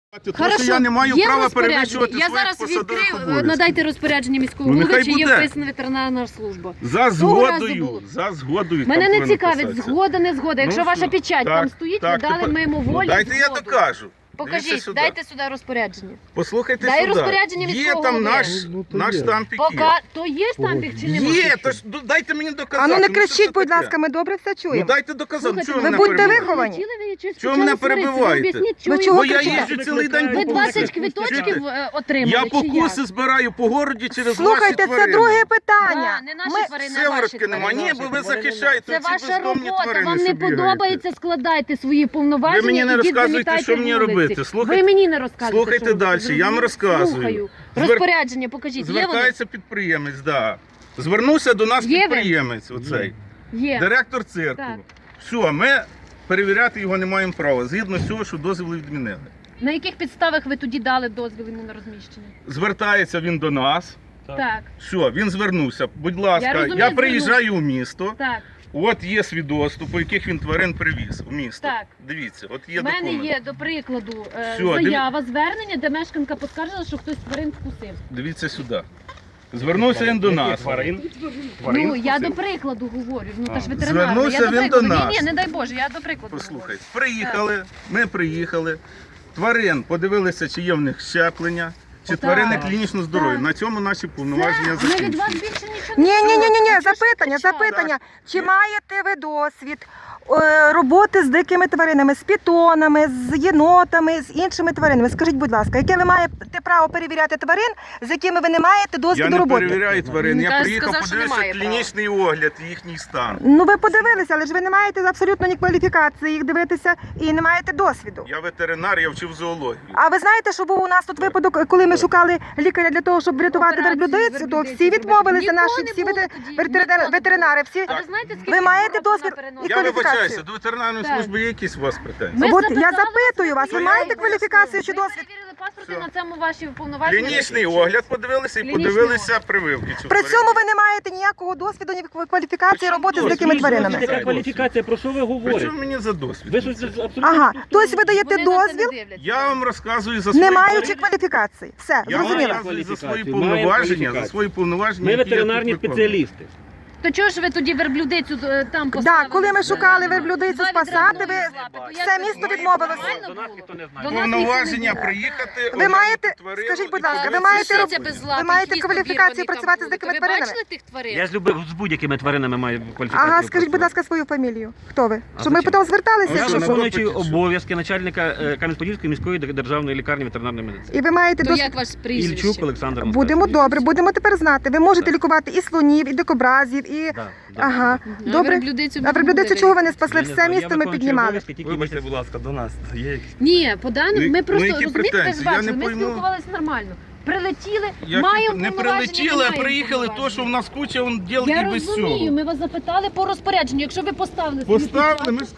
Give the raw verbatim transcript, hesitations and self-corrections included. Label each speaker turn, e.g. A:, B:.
A: Тому
B: Хорошо,
A: що я не маю
B: є
A: права
B: розпорядження.
A: перевищувати
B: Я
A: своїх
B: зараз
A: посадових
B: відкрив,
A: обов'язків.
B: надайте розпорядження міського
A: Ну,
B: голови,
A: нехай
B: чи є
A: буде.
B: вписана ветеринарна служба.
A: За
B: Того разу
A: згодою,
B: було.
A: за згодою.
B: Мене
A: там
B: не
A: повинно
B: цікавить,
A: писатися.
B: згода, не згода. Якщо
A: Ну,
B: ваша
A: що?
B: печать
A: Так,
B: там стоїть,
A: так,
B: ви дали
A: тепер-
B: мимо
A: Ну,
B: волі
A: дайте я
B: згоду.
A: докажу. Дивіться
B: Покажіть,
A: сюди.
B: дайте сюди розпорядження.
A: Послухайте
B: Дай
A: сюди.
B: розпорядження
A: Є
B: міського
A: там
B: голови.
A: наш,
C: Ну, то
A: наш
C: є.
A: штампик є.
B: Пока... То є штампик чи немає?
A: Є, то ж ну, дайте мені доказати.
D: А ну не
A: що це
D: кричіть, будь
A: таке?
D: ласка, ми добре все
A: Ну
D: чуємо.
A: дайте доказати,
B: Слухайте,
A: чого
D: ви
A: мене
D: будьте
A: перебиваєте?
D: виховані.
A: Чого мене перебиваєте?
D: Ви чого
A: Бо я
D: кричите?
A: їжджу цілий день
B: Ви
A: по
B: двадцять
A: вулиці.
B: квиточків е, отримали,
A: Я
B: чи
A: покуси
B: як?
A: збираю по городі через
D: Слухайте,
A: ваші
D: це
A: тварини.
D: друге
B: Да,
D: питання.
B: не наші
D: Ми-
B: тварини, а ваші
A: Сиворотки нема.
B: тварини.
A: Ні, бо ви захищаєте
B: Це
A: ці
B: ваша
A: бездомні
B: робота,
A: тварини,
B: вам
A: що
B: не
A: бігають.
B: подобається складайте свої повноваження.
A: Ви мені не
B: ідіть,
A: розказуєте,
B: замітайте
A: що мені
B: вулиці.
A: робити. Слухайте-
B: Ви мені не розказуєте.
A: Слухайте
B: що робити.
A: далі, я вам
B: Зрозуміло?
A: розказую.
B: Слухаю.
A: Звер-
B: Розпорядження покажіть, є вони?
A: Звертається підприємець, да. Звернувся до нас
B: Є він?
A: підприємець, оцей,
B: Є.
A: директор цирку.
B: Так.
A: Все, ми перевіряти його не маємо права, згідно з цього, що дозвіли відмінили.
B: На яких підставах ви тоді дали дозвіл йому на розміщення?
A: Звертається він до нас.
B: Так,
A: Все, він звернувся. Будь ласка,
B: Я
A: я,
B: розумію,
A: приїжджаю у місто.
B: так.
A: От є свідоцтво, по яких він тварин привіз у місто.
B: Так.
A: Дивіться, от є
B: У мене
A: документ.
B: є, до прикладу, е,
A: Всьо, диві-
B: заява, звернення, де мешканка поскаржила, що хтось тварин вкусив.
A: Дивіться сюди. Звернувся він до нас.
B: Ну, я до прикладу говорю, ну та ж
A: А,
B: ветеринарна.
A: звернувся
B: Я до
A: він
B: прикладу.
A: до нас.
B: Ні, ні, не дай Боже, я до прикладу
A: Послухайте, приїхали, ми приїхали. Тварин подивилися, чи є в них щеплення, чи
B: Так.
A: тварини клінічно здорові.
B: Так.
A: На цьому наші
B: говорю.
A: повноваження
B: Це, ми від
A: закінчені.
B: вас більше нічого не
D: Ні, ні, ні, ні, ні,
B: чуємо.
D: запитання,
B: Чого ж ви
D: запитання. Чи
A: Є.
D: маєте ви досвід е, роботи з дикими тваринами, з пітонами, з єнотами, з іншими тваринами? Скажіть, будь ласка, яке ви маєте право перевіряти тварин, з якими ви не маєте
A: Я
D: досвіду
A: не
D: роботи?
A: перевіряю тварин, я
B: Він
A: приїхав,
B: сказав, що
A: подивився
B: немає права.
A: клінічний огляд, їхній стан.
D: Ну ви подивилися, але ж ви не маєте абсолютно ні кваліфікації їх дивитися і не маєте досвіду.
A: Я ветеринар, я вчив зоологію.
D: А ви знаєте, що був у нас тут випадок, коли ми шукали лікаря для того, щоб врятувати
B: Операції
D: верблюдицю, то
B: верблюдиці
D: всі
B: зробити.
D: відмовилися,
B: Нікого
D: наші
B: не
D: всі
B: було
D: ветер-
B: тоді,
D: ветеринари,
B: нікого не
D: ветеринари, всі.
B: А ви знаєте, скільки
D: Ви маєте
B: років
D: досвід
B: вона переносить?
D: і
A: Я
D: кваліфікацію?
A: вибачаюся, до ветеринарної
B: Так.
A: служби є якісь у вас претензії?
B: Ми
D: От я
B: запитали
D: запитую вас, ви
B: вас,
D: маєте
B: я
D: кваліфікацію чи
B: Ми
D: досвід?
B: перевірили паспорти,
A: Все.
B: на цьому ваші повноваження.
A: Клінічний
B: закінчуються.
A: огляд подивилися і
B: Клінічний
A: подивилися
B: огляд.
A: прививки. чи
D: При
A: тварин.
D: цьому ви не маєте ніякого досвіду, ні кваліфікації роботи з
A: досвід?
D: дикими
A: Ви ж
D: тваринами.
A: можете-
C: Яка кваліфікація, про що ви
A: При
C: говорите?
A: чому мені за досвід?
C: Ви щось абсолютно...
D: Ага, тобто ви даєте
B: Вони на це не
D: дозвіл,
B: дивляться.
A: Я вам розказую за свої
D: не маючи
A: тварини.
D: кваліфікації. Все,
A: Я вам
D: зрозуміло.
A: розказую за свої
C: Кваліфікацію.
A: повноваження,
C: Маємо
A: за свої повноваження.
C: Ми
A: які я
C: ветеринарні
A: тут виконую.
C: спеціалісти.
B: То чого ж ви тоді верблюдицю е, там поставили?
D: Так, коли ми шукали верблюдицю
B: Два
D: спасати,
B: відра
D: ви
B: з лапи, то як
D: все
B: ви
D: місто
B: думаєте,
D: відмовилося.
B: нормально
C: До нас
B: було?
C: ніхто не знає.
B: До нас
A: Повноваження
B: ніхто не
A: приїхати.
D: Ви
A: оглянути
D: маєте,
A: тварину
D: скажіть, будь
A: і
D: ласка, ви
A: подивитися
D: маєте
A: щеплення.
B: Лисиця без лап,
D: ви маєте
B: хвіст
D: кваліфікацію
B: обірваний
D: працювати
B: там
D: з дикими
B: буде.
D: тваринами?
B: Ви бачили тих тварин?
C: Я з любив з будь-якими тваринами маю кваліфікацію.
D: Ага, скажіть, будь
C: працювати.
D: ласка, свою фамілію. Хто ви?
C: А
D: Щоб ми
C: зачем?
D: потім зверталися?
A: А
C: Я
A: що,
D: що-
A: на
C: виконуючий
A: допиті, що?
C: обов'язки начальника е, Кам'янець-Подільської міської державної лікарні ветеринарної медицини.
D: І ви маєте
B: То
D: досвід.
B: як ваш прізвище?
C: Ільчук Олександр
D: Будемо
C: Михайлович.
D: добре, будемо тепер знати. Ви можете
C: Так.
D: лікувати і слонів, і дикобразів, і...
C: Да, да.
D: Ага,
B: А
D: добре.
B: верблюдицю
D: А верблюдицю чого ви не спасли?
C: Я не
D: Все
C: знаю, я
D: місто ми
C: виконуючий
D: піднімали.
C: обов'язки, тільки
E: Вибачте,
C: місяць.
E: будь ласка, до нас є якісь.
B: Ні, по даним
A: Ну,
B: ми
A: ну,
B: просто
A: які
B: розумієте, ви ж
A: претензії? Я
B: бачили,
A: не
B: ми
A: пойму.
B: спілкувалися нормально. Прилетіли,
A: Як
B: маємо
A: не
B: повноваження,
A: прилетіли, а
B: маємо
A: приїхали то,
B: повноваження.
A: що в нас куча он діл
B: Я
A: і без
B: розумію,
A: цього.
B: ми вас запитали по розпорядженню. Якщо ви поставили свої
A: Поставили,
B: печатки,
A: ми